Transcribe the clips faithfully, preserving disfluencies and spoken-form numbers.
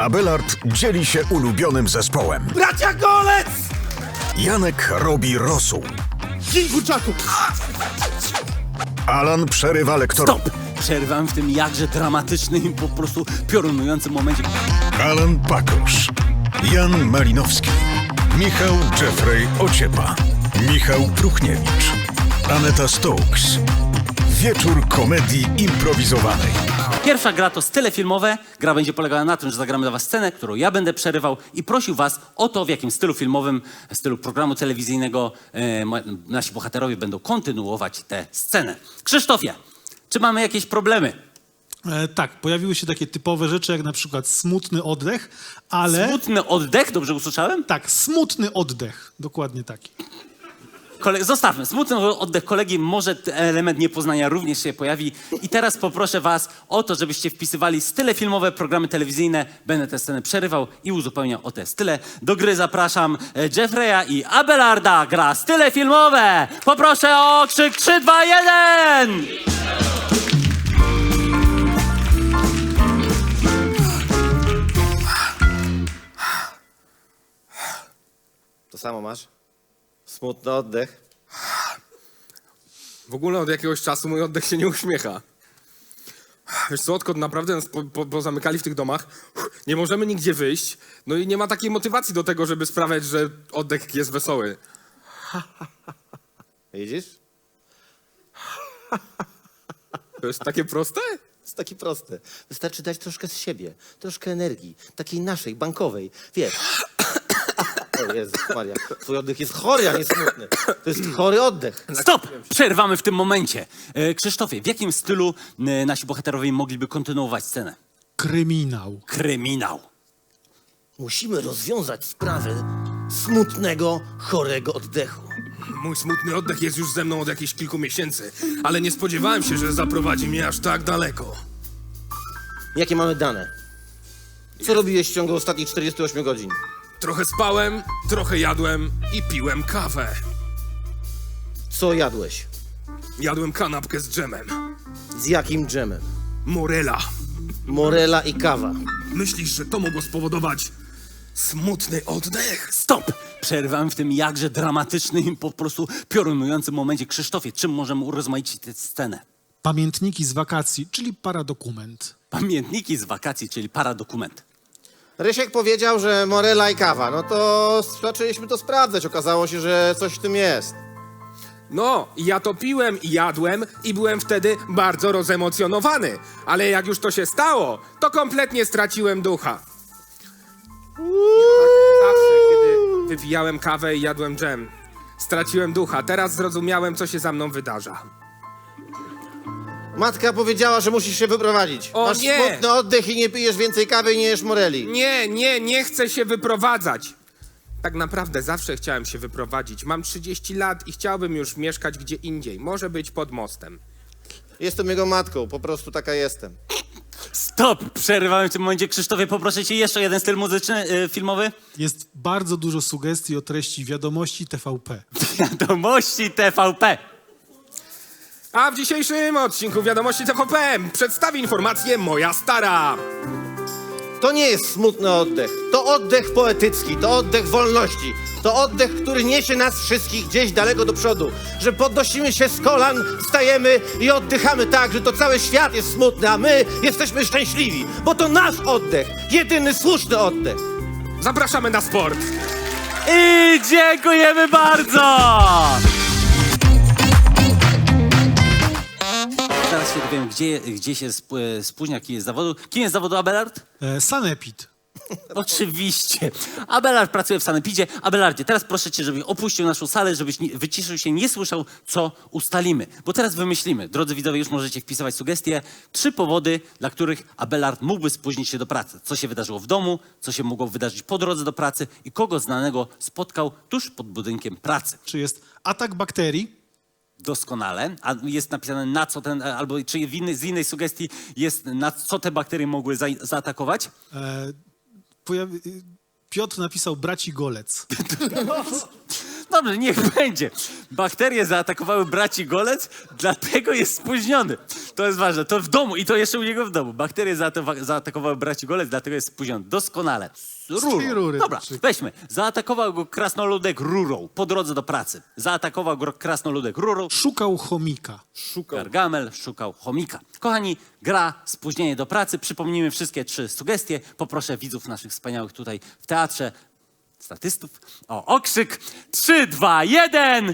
Abelard dzieli się ulubionym zespołem. Bracia Golec! Janek robi rosół. Dzień kurczaku! Alan przerywa lektorowi. Stop! Przerwam w tym jakże dramatycznym, po prostu piorunującym momencie. Alan Pakosz. Jan Malinowski. Michał Jeffrey Ociepa. Michał Pruchniewicz. Aneta Stokes. Wieczór komedii improwizowanej. Pierwsza gra to style filmowe. Gra będzie polegała na tym, że zagramy dla was scenę, którą ja będę przerywał i prosił was o to, w jakim stylu filmowym, stylu programu telewizyjnego e, ma- nasi bohaterowie będą kontynuować tę scenę. Krzysztofie, czy mamy jakieś problemy? E, tak, pojawiły się takie typowe rzeczy, jak na przykład smutny oddech, ale... Smutny oddech, dobrze usłyszałem? Tak, smutny oddech, dokładnie taki. Kole- zostawmy. Smutny oddech kolegi, może t- element niepoznania również się pojawi. I teraz poproszę was o to, żebyście wpisywali style filmowe, programy telewizyjne. Będę tę scenę przerywał i uzupełniał o te style. Do gry zapraszam e, Jeffreya i Abelarda. Gra style filmowe. Poproszę o krzyk trzy, dwa, jeden! To samo masz? Smutny oddech. W ogóle od jakiegoś czasu mój oddech się nie uśmiecha. Wiesz co, odkąd naprawdę nas po, po, pozamykali w tych domach, nie możemy nigdzie wyjść, no i nie ma takiej motywacji do tego, żeby sprawiać, że oddech jest wesoły. Widzisz? To jest takie proste? To jest takie proste. Wystarczy dać troszkę z siebie, troszkę energii, takiej naszej, bankowej. Wiesz. O Jezus Maria, twój oddech jest chory, a nie smutny. To jest chory oddech. Stop! Przerwamy w tym momencie. E, Krzysztofie, w jakim stylu e, nasi bohaterowie mogliby kontynuować scenę? Kryminał. Kryminał. Musimy rozwiązać sprawę smutnego, chorego oddechu. Mój smutny oddech jest już ze mną od jakichś kilku miesięcy, ale nie spodziewałem się, że zaprowadzi mnie aż tak daleko. Jakie mamy dane? Co robiłeś w ciągu ostatnich czterdziestu ośmiu godzin? Trochę spałem, trochę jadłem i piłem kawę. Co jadłeś? Jadłem kanapkę z dżemem. Z jakim dżemem? Morela. Morela i kawa. Myślisz, że to mogło spowodować smutny oddech? Stop! Przerwam w tym jakże dramatycznym, po prostu piorunującym momencie. Krzysztofie, czym możemy urozmaicić tę scenę? Pamiętniki z wakacji, czyli paradokument. Pamiętniki z wakacji, czyli paradokument. Rysiek powiedział, że morela i kawa. No to zaczęliśmy to sprawdzać. Okazało się, że coś w tym jest. No, ja to piłem i jadłem i byłem wtedy bardzo rozemocjonowany. Ale jak już to się stało, to kompletnie straciłem ducha. Tak zawsze, kiedy wypijałem kawę i jadłem dżem, straciłem ducha. Teraz zrozumiałem, co się za mną wydarza. Matka powiedziała, że musisz się wyprowadzić. O Masz nie! smutny oddech i nie pijesz więcej kawy i nie jesz moreli. Nie, nie, nie chcę się wyprowadzać. Tak naprawdę zawsze chciałem się wyprowadzić. Mam trzydzieści lat i chciałbym już mieszkać gdzie indziej. Może być pod mostem. Jestem jego matką, po prostu taka jestem. Stop! Przerwamy w tym momencie. Krzysztofie, poproszę cię jeszcze jeden styl muzyczny, y, filmowy. Jest bardzo dużo sugestii o treści wiadomości T V P. Wiadomości T V P. A w dzisiejszym odcinku Wiadomości T V P przedstawi informację moja stara. To nie jest smutny oddech. To oddech poetycki, to oddech wolności. To oddech, który niesie nas wszystkich gdzieś daleko do przodu. Że podnosimy się z kolan, wstajemy i oddychamy tak, że to cały świat jest smutny, a my jesteśmy szczęśliwi. Bo to nasz oddech, jedyny słuszny oddech. Zapraszamy na sport. I dziękujemy bardzo! Zaraz się dowiem, gdzie, gdzie się sp- spóźnia, kim jest z zawodu. Kim jest z zawodu Abelard? E, Sanepid. Oczywiście. Abelard pracuje w Sanepidzie. Abelardzie, teraz proszę cię, żebyś opuścił naszą salę, żebyś nie, wyciszył się, nie słyszał, co ustalimy. Bo teraz wymyślimy. Drodzy widzowie, już możecie wpisywać sugestie. Trzy powody, dla których Abelard mógłby spóźnić się do pracy. Co się wydarzyło w domu, co się mogło wydarzyć po drodze do pracy i kogo znanego spotkał tuż pod budynkiem pracy. Czy jest atak bakterii? Doskonale. A jest napisane na co ten, albo czy w innej, z innej sugestii jest na co te bakterie mogły za, zaatakować? E, pojawi... Piotr napisał braci Golec. Dobrze, niech będzie. Bakterie zaatakowały braci Golec, dlatego jest spóźniony. To jest ważne. To w domu i to jeszcze u niego w domu. Bakterie zaata- zaatakowały braci Golec, dlatego jest spóźniony. Doskonale. tej rury. Dobra, weźmy. Zaatakował go krasnoludek rurą po drodze do pracy. Zaatakował go krasnoludek rurą. Szukał chomika. Gargamel szukał chomika. Kochani, gra Spóźnienie do pracy. Przypomnijmy wszystkie trzy sugestie. Poproszę widzów naszych wspaniałych tutaj w teatrze, statystów, o okrzyk. Trzy, dwa, jeden.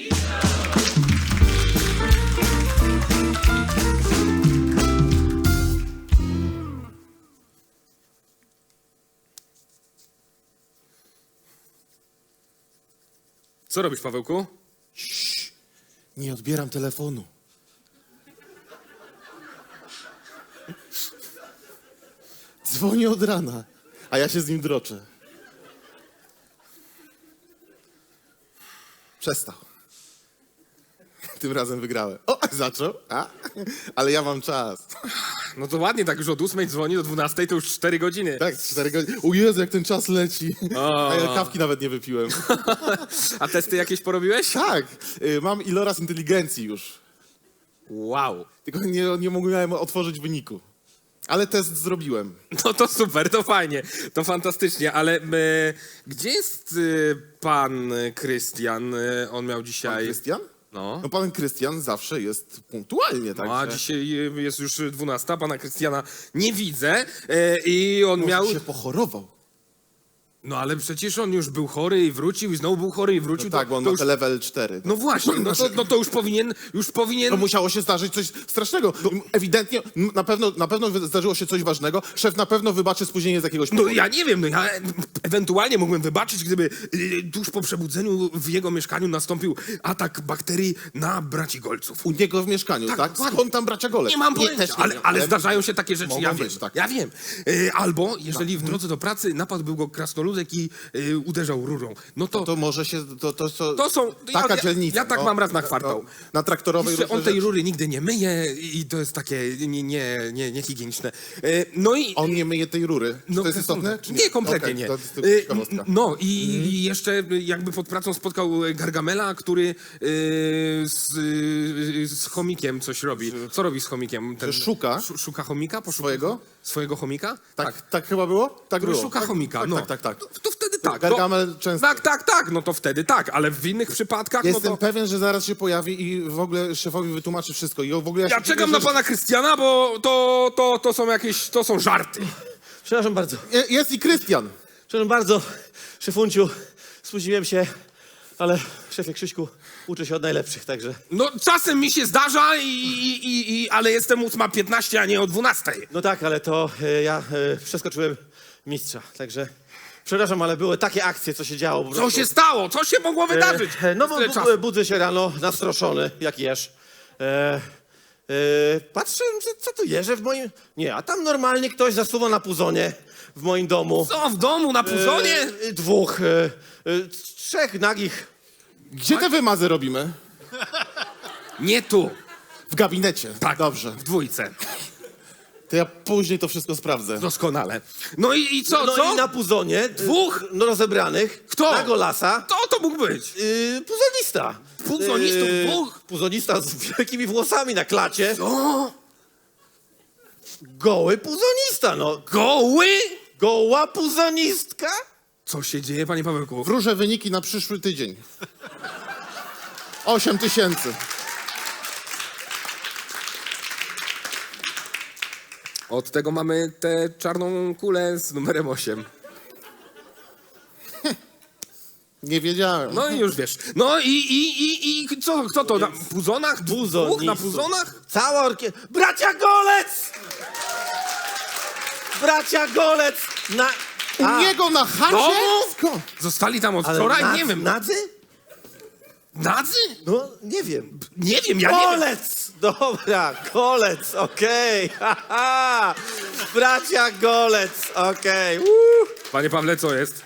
Co robisz, Pawełku? Nie odbieram telefonu. Dzwoni od rana, a ja się z nim droczę. Przestał. Tym razem wygrałem. O, zaczął, a? Ale ja mam czas. No to ładnie, tak już od ósmej dzwoni do dwunastej, to już cztery godziny. Tak, cztery godziny. O Jezu, jak ten czas leci. A ja kawki nawet nie wypiłem. A testy jakieś porobiłeś? Tak, y, mam iloraz inteligencji już. Wow. Tylko nie, nie mogłem otworzyć wyniku. Ale test zrobiłem. No to super, to fajnie, to fantastycznie, ale e, gdzie jest e, pan Krystian? E, on miał Pan dzisiaj... Krystian? No. No pan Krystian zawsze jest punktualnie, tak? No, a dzisiaj jest już dwunasta, pana Krystiana nie widzę e, i on Może miał... się pochorował. No ale przecież on już był chory i wrócił i znowu był chory i wrócił. No tak, to, bo on to ma już... te level cztery. No właśnie, no to, no to już powinien, już powinien... No musiało się zdarzyć coś strasznego. Ewidentnie, m, na pewno, na pewno wy- zdarzyło się coś ważnego. Szef na pewno wybaczy spóźnienie z jakiegoś No powodu. ja nie wiem, no ja e, ewentualnie mógłbym wybaczyć, gdyby e, tuż po przebudzeniu w jego mieszkaniu nastąpił atak bakterii na braci Golców. U niego w mieszkaniu, tak? dokładnie. Skąd tam bracia Golec? Nie mam Nie, pojęcia, też nie ale, wiem, ale zdarzają się takie rzeczy, mogą ja wiem, być, tak. ja wiem. E, albo jeżeli w drodze do pracy napadł go krasnoludek i e, uderzał rurą, no to, To może się, to, to, to, To są- taka ja- dzielnica. ja tak mam raz na kwartał. No, na traktorowej jeszcze różne on tej rzeczy. rury nigdy nie myje i to jest takie nie, nie, nie, niehigieniczne. E, no i... On nie myje tej rury. Czy No, to jest istotne? Czy nie, kompletnie Okej, nie. To jest tylko Y, ciekawostka. No i, i jeszcze jakby pod pracą spotkał Gargamela, który y, z, y, z chomikiem coś robi. Co robi z chomikiem? Ten, Że szuka? Szu- Szuka chomika? Poszuka- Swojego? Swojego chomika? Tak, tak chyba było? Tak Który było. szuka tak, chomika, tak, no. tak, tak, tak. To, to wtedy tak. Gargamel no, często. Tak, tak, tak, no to wtedy tak, ale w innych przypadkach Jestem no to... pewien, że zaraz się pojawi i w ogóle szefowi wytłumaczy wszystko. I w ogóle ja, Ja się czekam dziwię, na że- pana Krystiana, bo to, to, to są jakieś, to są żarty. Przepraszam bardzo. Je- Jest i Krystian. Przepraszam bardzo, szefunciu. Spóźniłem się, ale szefie Krzyśku, uczę się od najlepszych, także... No czasem mi się zdarza, i, i, i, i, ale jestem ósma piętnaście, a nie o dwunastej. No tak, ale to e, ja e, przeskoczyłem mistrza, także... Przepraszam, ale były takie akcje, co się działo. po Co prostu. się stało? Co się mogło wydarzyć? E, no bo Tyle bu- czasu. budzę się rano, nastroszony, jak jesz. E, e, patrzę, że co tu jeże w moim... Nie, a tam normalnie ktoś zasuwa na puzonie w moim domu. Co, w domu, na puzonie? E, dwóch, e, e, trzech nagich. Gdzie te wymazy robimy? Nie tu. W gabinecie. Tak, Dobrze. w dwójce. To ja później to wszystko sprawdzę. Doskonale. No i, i co, No co? i na puzonie. Dwóch? e, No rozebranych. Kto? Na golasa. Kto to mógł być? Yy, puzonista. Puzonistów dwóch? Puzonista z wielkimi włosami na klacie. O, Goły puzonista, no. goły? Goła puzonistka? Co się dzieje, panie Pawełku? Wróżę wyniki na przyszły tydzień. Osiem tysięcy. Od tego mamy tę czarną kulę z numerem osiem. Nie wiedziałem. No i już wiesz. No i, i, i, i co, kto to? Na puzonach? Dwóch na Puzonistów. puzonach? Cała orkiestra. Bracia Golec! Bracia Golec! Na... U niego na chacie? Domu? Skąd? Zostali tam od Ale wczoraj? nad- Nie wiem. Nadzy? Nadzy? No, nie wiem. Nie wiem, ja nie wiem. Golec! Dobra, Golec, okej. haha. Bracia Golec, okej. Uuu. Panie Pawle, co jest?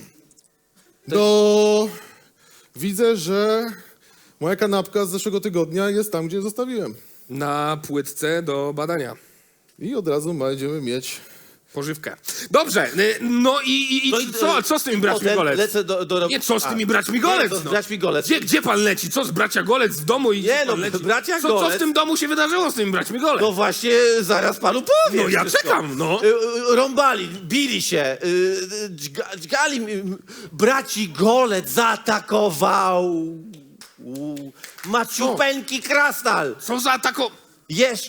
No, widzę, że moja kanapka z zeszłego tygodnia jest tam, gdzie zostawiłem. Na płytce do badania. I od razu będziemy mieć Pożywkę. Dobrze, y, no i, i, i No i- co, co z tymi braćmi Potem Golec? lecę do, do... Nie, co z tymi A, braćmi nie, Golec? to z no? braćmi Golec. Gdzie, gdzie pan leci? Co z bracia Golec w domu i Nie, gdzie pan no, leci? bracia co, co Golec- w tym domu się wydarzyło z tymi braćmi Golec? No właśnie, zaraz panu powiem. No ja wszystko. czekam, no. Y, y, Rąbali, bili się, y, y, dźga- dźgali, y, braci Golec zaatakował u, maciupeńki krasnal. Co za tako... Jesz,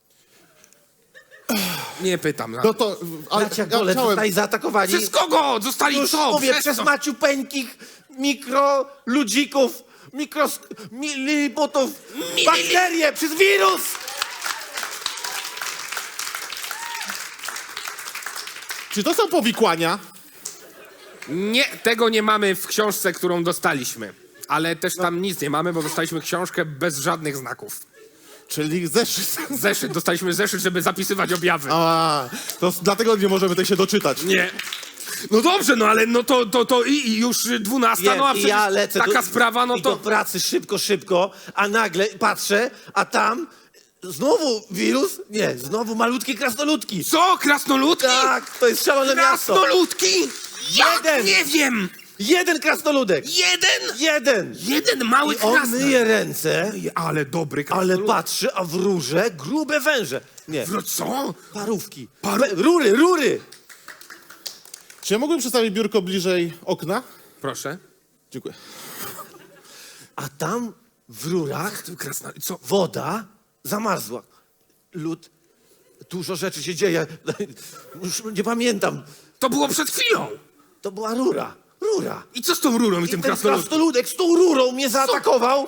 Nie pytam. No to, ale bracia ja Golec chciałem, zostali zaatakowani. Przez kogo? Zostali Już co? mówię, Przez przez co? maciupeńkich mikroludzików, mikros... miliputów, bakterie, przez wirus. czy to są powikłania? Nie, tego nie mamy w książce, którą dostaliśmy. Ale też tam nic nie mamy, bo dostaliśmy książkę bez żadnych znaków. Czyli zeszyt. Zeszyt, dostaliśmy zeszyt, żeby zapisywać objawy. A, to s- dlatego nie możemy tej się doczytać. Nie. No dobrze, no ale no to, to, to i, i już dwunasta, Wiem, no a i przecież ja lecę taka do, sprawa, no i do to... pracy szybko, szybko, a nagle patrzę, a tam znowu wirus? Nie, znowu malutkie krasnoludki. Co? Krasnoludki? Tak, to jest szalone miasto. Krasnoludki? Ja Jeden. nie wiem. Jeden krasnoludek. Jeden? Jeden. Jeden mały I on krasnolud. myje ręce, Ale dobry ale krasnolud. patrzy, a w rurze grube węże. Nie, No co? parówki. Paru- Be- Rury, rury. Czy ja mógłbym przedstawić biurko bliżej okna? Proszę. Dziękuję. A tam w rurach Krasnolud, co? woda zamarzła. Lód, dużo rzeczy się dzieje. Już nie pamiętam. To było przed chwilą. To była rura. Rura. I co z tą rurą i, I tym ten krasnoludem? krasnoludek z tą rurą mnie zaatakował.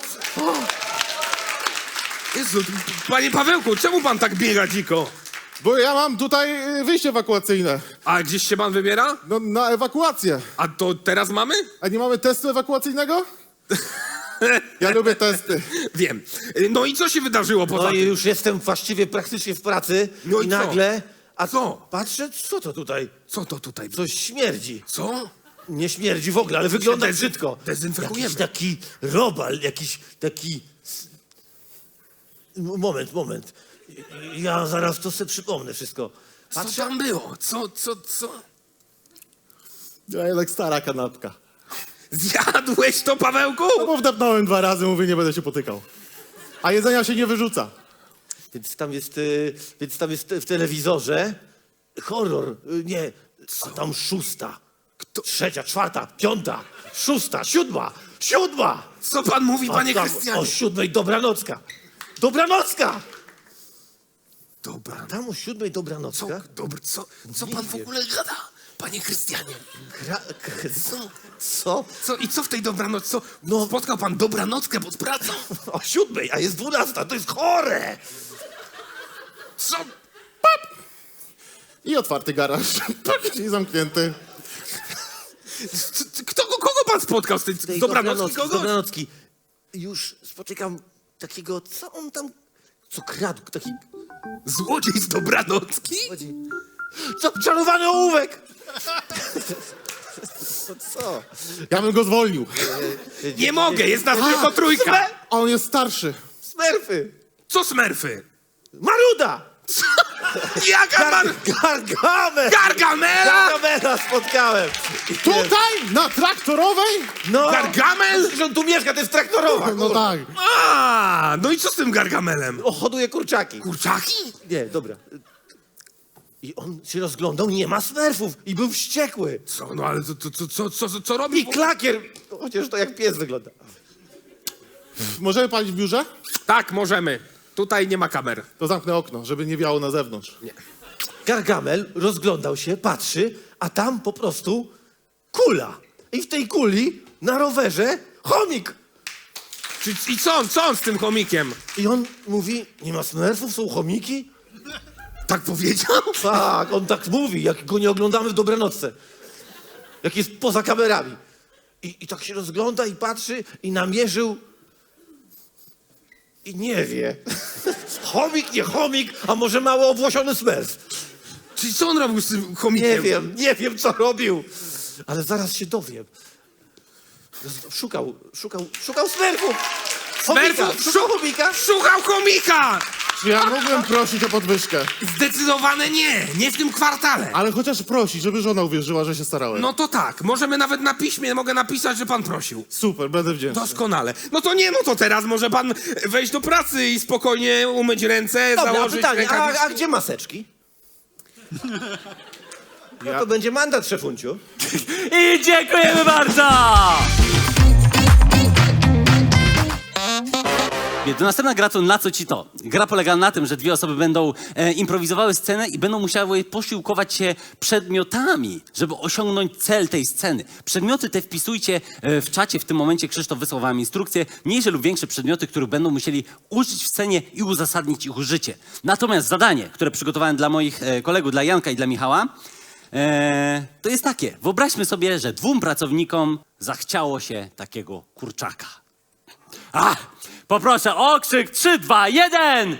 Jezu, panie Pawełku, czemu pan tak biega dziko? Bo ja mam tutaj y, wyjście ewakuacyjne. A gdzieś się pan wybiera? No, na ewakuację. A to teraz mamy? A nie mamy testu ewakuacyjnego? Ja lubię testy. Wiem. No i co się wydarzyło poza No i tym? już jestem właściwie praktycznie w pracy. No i i co? nagle... A Co? Patrzę, co to tutaj? Co to tutaj? Coś śmierdzi. Co? Nie śmierdzi w ogóle, ale wygląda dezyn- brzydko. dezynfekujemy. Jakiś taki robal, jakiś taki... M- Moment, moment. Ja zaraz to sobie przypomnę wszystko. Co tam było? Co, co, co? Ja jednak stara kanapka. Zjadłeś to, Pawełku? No bo wdepnąłem dwa razy, mówię, nie będę się potykał. A jedzenia się nie wyrzuca. Więc tam jest, y, więc tam jest w telewizorze horror, y, nie, a tam szósta, trzecia, czwarta, piąta, szósta, siódma, siódma! Co pan mówi, A panie tam Krystianie? o siódmej dobranocka, dobranocka! Dobra. Tam o siódmej Co, dobranocka, dobry, co, co Nie pan w wiem. ogóle gada? Panie Krystianie. Kra, k, co, co? Co, i co w tej dobranoc? Co? No. Spotkał pan dobranockę pod pracą? O siódmej, a jest dwunasta, to jest chore! Co? I otwarty garaż. I zamknięty. C- c- Kto, kogo pan spotkał z tej z Tej dobranocki? z Kogo? dobranocki. Już spotykam takiego, co on tam, co kradł, taki... Złodziej z dobranocki? Zaczarowany ołówek! Co? Ja bym go zwolnił. Nie mogę, jest nas tylko trójka. Sme- A on jest starszy. Smerfy! Co smerfy? Maruda! Jaka man... Gargamel! Gargamela? Gargamela spotkałem! Tutaj? Na traktorowej? No! Gargamel? Przecież on tu mieszka, to jest traktorowa! No tak. A, no i co z tym Gargamelem? O, hoduje kurczaki. Kurczaki? Nie, dobra. I on się rozglądał, nie ma smerfów i był wściekły. Co, no ale co, co, co, co, co, co robi? I klakier! Chociaż to jak pies wygląda. Możemy palić w biurze? Tak, możemy. Tutaj nie ma kamer. To zamknę okno, żeby nie wiało na zewnątrz. Gargamel rozglądał się, patrzy, a tam po prostu kula. I w tej kuli na rowerze chomik. Czy, I co on, co on z tym chomikiem? I on mówi, nie ma smerfów, są chomiki? Tak powiedział? Tak, on tak mówi, jak go nie oglądamy w dobranocce. Jak jest poza kamerami. I, I tak się rozgląda i patrzy i namierzył i nie wie. Chomik, nie chomik, a może mało obłosiony smerf. Czyli co on robił z tym chomikiem? Nie wiem, nie wiem co robił. Ale zaraz się dowiem. Szukał, szukał, szukał smerfów. Chomika, Smerfów? szukał chomika. Szukał chomika! Czy ja mógłbym prosić o podwyżkę? Zdecydowane nie, nie w tym kwartale. Ale chociaż prosić, żeby żona uwierzyła, że się starałem. No to tak, możemy nawet na piśmie, mogę napisać, że pan prosił. Super, będę wdzięczny. Doskonale. No to nie, no to teraz może pan wejść do pracy i spokojnie umyć ręce, Dobra, założyć pytanie, a, rękawiczki. a gdzie maseczki? No to będzie mandat, szefunciu. I dziękujemy bardzo! To następna gra to Na co ci to? Gra polega na tym, że dwie osoby będą e, improwizowały scenę i będą musiały posiłkować się przedmiotami, żeby osiągnąć cel tej sceny. Przedmioty te wpisujcie e, w czacie. W tym momencie Krzysztof wysłał wam instrukcje. Mniejsze lub większe przedmioty, których będą musieli użyć w scenie i uzasadnić ich użycie. Natomiast zadanie, które przygotowałem dla moich e, kolegów, dla Janka i dla Michała, e, to jest takie. Wyobraźmy sobie, że dwóm pracownikom zachciało się takiego kurczaka. A, poproszę o okrzyk trzy, dwa, jeden!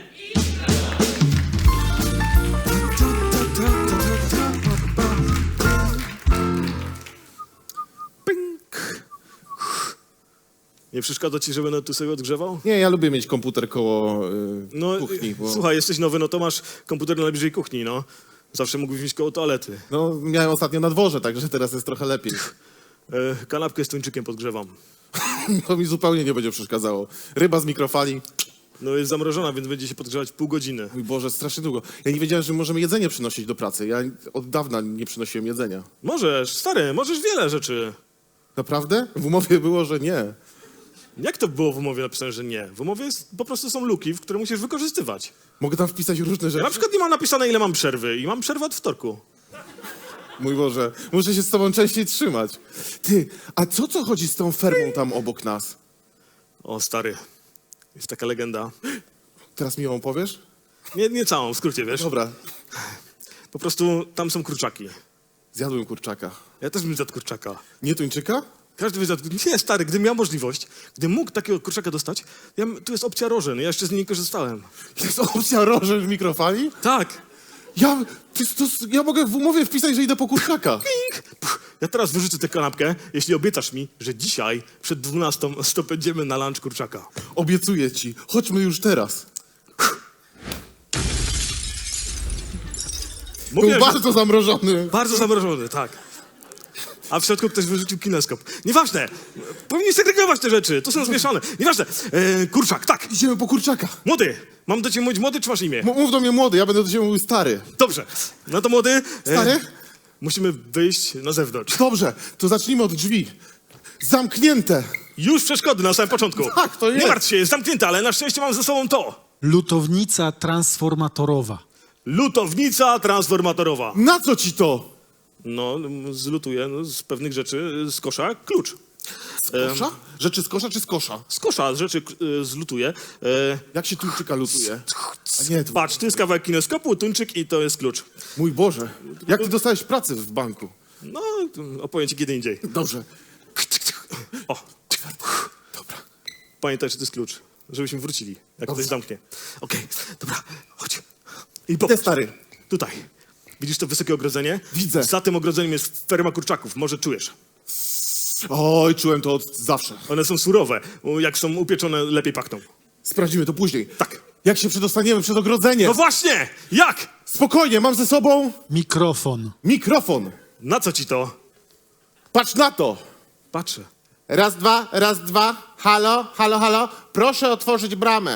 Nie przeszkadza ci, że będę tu sobie odgrzewał? Nie, ja lubię mieć komputer koło y, No, kuchni, bo... słuchaj, jesteś nowy, no to masz komputer najbliżej kuchni, no. Zawsze mógłbyś mieć koło toalety. No, miałem ostatnio na dworze, także teraz jest trochę lepiej. E, kanapkę z tuńczykiem podgrzewam. To mi zupełnie nie będzie przeszkadzało. Ryba z mikrofali. No jest zamrożona, więc będzie się podgrzewać pół godziny. Mój Boże, strasznie długo. Ja nie wiedziałem, że możemy jedzenie przynosić do pracy. Ja od dawna nie przynosiłem jedzenia. Możesz, stary, możesz wiele rzeczy. Naprawdę? W umowie było, że nie. Jak to było w umowie napisane, że nie? W umowie jest, po prostu są luki, w które musisz wykorzystywać. Mogę tam wpisać różne Ja rzeczy? na przykład nie mam napisane, ile mam przerwy i mam przerwę od wtorku. Mój Boże, muszę się z tobą częściej trzymać. Ty, a co co chodzi z tą fermą tam obok nas? O, stary, jest taka legenda. Teraz mi ją opowiesz? Nie, nie całą, w skrócie, wiesz? Dobra, Po prostu tam są kurczaki. zjadłem kurczaka. Ja też bym zjadł kurczaka. Nie tuńczyka? Każdy by zjadł. Nie, stary, gdybym miał możliwość, gdybym mógł takiego kurczaka dostać, ja, tu jest opcja rożyn, ja jeszcze z niej nie korzystałem. Jest opcja rożen w mikrofali? Tak. Ja, ty, to, ja mogę w umowie wpisać, że idę po kurczaka. Ping. Puh. Ja teraz wyrzucę tę kanapkę, jeśli obiecasz mi, że dzisiaj przed dwunastą będziemy na lunch kurczaka. Obiecuję ci. Chodźmy już teraz. Był Mówiłem, że- bardzo zamrożony. Bardzo zamrożony, tak. A w środku ktoś wyrzucił kineskop. Nieważne. Powinni segregować te rzeczy. To są zmieszane. Nieważne. E, kurczak, tak. Idziemy po kurczaka. Młody. Mam do ciebie mówić młody, czy masz imię? M- mów do mnie młody, ja będę do ciebie mówił stary. Dobrze. No to młody. e, Stary? Musimy wyjść na zewnątrz. Dobrze, to zacznijmy od drzwi. Zamknięte. Już przeszkody na samym początku. Tak, to jest. Nie martw się, jest zamknięte, ale na szczęście mam ze sobą to. Lutownica transformatorowa. Lutownica transformatorowa. Na co ci to? No, zlutuję no, z pewnych rzeczy z kosza klucz. Z kosza? Rzeczy z kosza czy z kosza? Z kosza rzeczy e, zlutuję. E, Jak się tuńczyka lutuje? A nie, to... patrz, tu jest kawałek kineskopu, tuńczyk i to jest klucz. Mój Boże. Jak ty dostałeś pracę w banku? No, opowiem ci kiedy indziej. Dobrze. O, Dobra. pamiętaj, że to jest klucz, żebyśmy wrócili, jak Dobrze. ktoś zamknie. Okej, dobra, chodź. I Ty popatrz. stary. Tutaj. Widzisz to wysokie ogrodzenie? Widzę. Za tym ogrodzeniem jest ferma kurczaków, może czujesz. Oj, czułem to od zawsze. One są surowe, jak są upieczone, lepiej pachną. Sprawdzimy to później. Tak. Jak się przedostaniemy przed ogrodzenie? No właśnie! Jak? Spokojnie, mam ze sobą Mikrofon. mikrofon. Na co ci to? Patrz na to. Patrzę. Raz, dwa, raz, dwa. Halo, halo, halo. Proszę otworzyć bramę.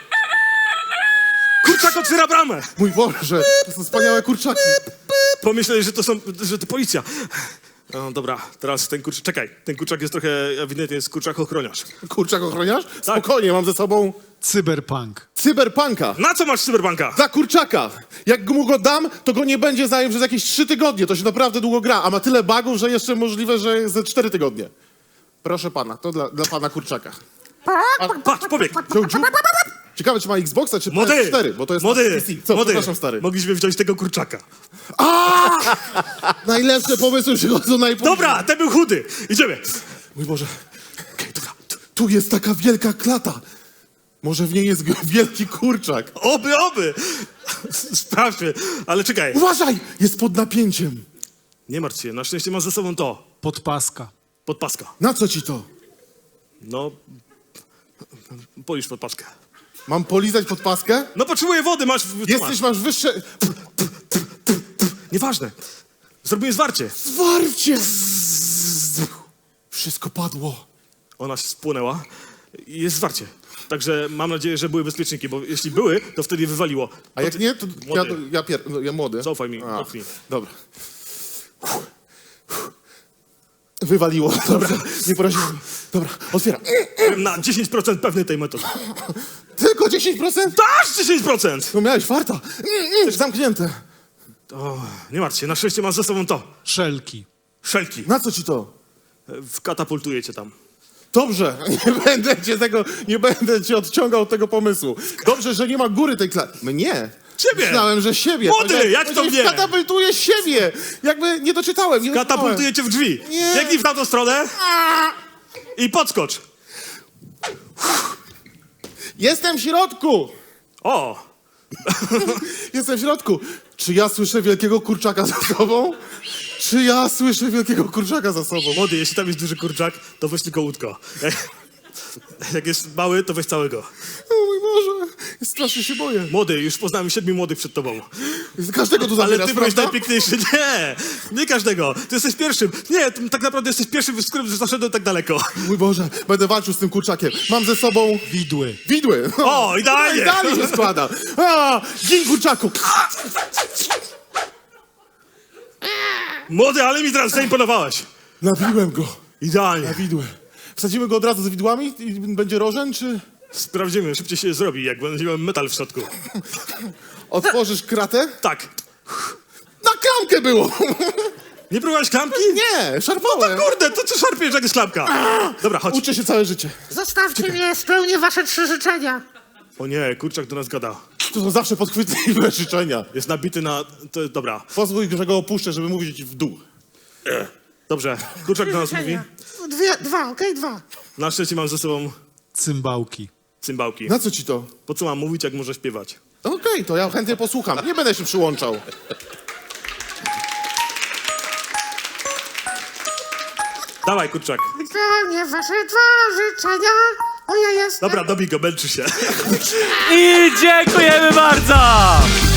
Kurczak otwiera bramę! Mój Boże, to są wspaniałe kurczaki. Pomyśleli, że to są, że to policja. No dobra, teraz ten kurczak, czekaj, ten kurczak jest trochę, ewidentnie jest kurczak ochroniarz. Kurczak ochroniarz? Spokojnie, mam ze sobą Cyberpunk. cyberpunka. Na co masz cyberbanka? Za kurczaka. Jak mu go dam, to go nie będzie zajął przez jakieś trzy tygodnie. To się naprawdę długo gra, a ma tyle bugów, że jeszcze możliwe, że ze cztery tygodnie. Proszę pana, to dla, dla pana kurczaka. Patrz, pobieg! Ciu, ciu. Ciekawe, czy ma Xboxa, czy P S Młody! cztery, bo to jest Młody! P C. Co, Młody! przepraszam, stary. Mogliśmy wziąć tego kurczaka. Najlepsze pomysły przychodzą najpóźniej. Dobra, ten był chudy. Idziemy. Mój Boże. Okej, dobra. Tu- Tu jest taka wielka klata. Może w niej jest g- wielki kurczak. Oby, oby. Sprawdźmy, ale czekaj. Uważaj! Jest pod napięciem. Nie martw się, na szczęście mam ze sobą to. Podpaska. Podpaska. Na co ci to? No, polisz podpaskę. Mam polizać pod paskę? No potrzebuję wody, masz... co Jesteś, masz wyższe... masz? Nieważne. Zrobimy zwarcie. Zwarcie! Wszystko padło. Ona się spłonęła i jest zwarcie. Także mam nadzieję, że były bezpieczniki, bo jeśli były, to wtedy wywaliło. A jak nie, to ja, Młody. ja, pier... no, ja młody. Zaufaj mi, A, dotknij. dobra. Wywaliło, dobra. Nie poraziłem. Dobra, otwieram. Byłem na dziesięć procent pewny tej metody. Tylko dziesięć procent? Dasz dziesięć procent! No miałeś farta. Też zamknięte. O, nie martw się, na szczęście mam ze sobą to. Szelki. Szelki. Na co ci to? Wkatapultuję cię tam. Dobrze, nie będę cię tego, nie będę cię odciągał od tego pomysłu. Dobrze, że nie ma góry tej klasy. Mnie? Ciebie! Myślałem, że siebie. Młody, Powiedziałem- jak to powiedziałem, mnie? Katapultuję siebie. Jakby nie doczytałem. Nie doczytałem. Katapultuję cię w drzwi. Nie. Biegnij w tamtą stronę i podskocz. Jestem w środku. O, Jestem w środku. Czy ja słyszę wielkiego kurczaka za sobą? Czy ja słyszę wielkiego kurczaka za sobą? młody, jeśli tam jest duży kurczak, to weź tylko łódko. Jak, jak jest mały, to weź całego. O mój Boże, strasznie się boję. Młody, już poznałem siedmiu młodych przed tobą. Każdego tu Ale zabierasz, ty byłeś prawda? najpiękniejszy. Nie, nie każdego. Ty jesteś pierwszym. Nie, ty tak naprawdę jesteś pierwszym, z którym zaszedłem tak daleko. Mój Boże, będę walczył z tym kurczakiem. Mam ze sobą Widły. widły. O, idealnie. Idealnie się składa. A, dzień kurczaku. Młody, ale mi teraz zaimponowałeś. Nabiłem go. Idealnie. Na widły. Wsadzimy go od razu z widłami i będzie rożen, czy Sprawdzimy, szybciej się zrobi, jak będzie miał metal w środku. otworzysz kratę? Tak. Na klamkę było. Nie próbowałeś klamki? Nie, szarpałem. Kurde, to co szarpiesz, jak jest klapka? Dobra, chodź. Uczę się całe życie. Zostawcie mnie, spełnię wasze trzy życzenia. O nie, kurczak do nas gada. To są zawsze podchwytliwe życzenia. Jest nabity na... To, dobra, Pozwól, że go opuszczę, żeby mówić w dół. dobrze. Kurczak do nas mówi. Życzenia. Dwie, dwa, okej, dwa. Na szczęście mam ze sobą Cymbałki. cymbałki. Na co ci to? Po co mam mówić, jak może śpiewać? Okej, to ja chętnie posłucham. Nie będę się przyłączał. Dawaj, kurczak. Spełnię wasze dwa życzenia, bo ja jestem... Dobra, dobij go, męczy się. I dziękujemy bardzo!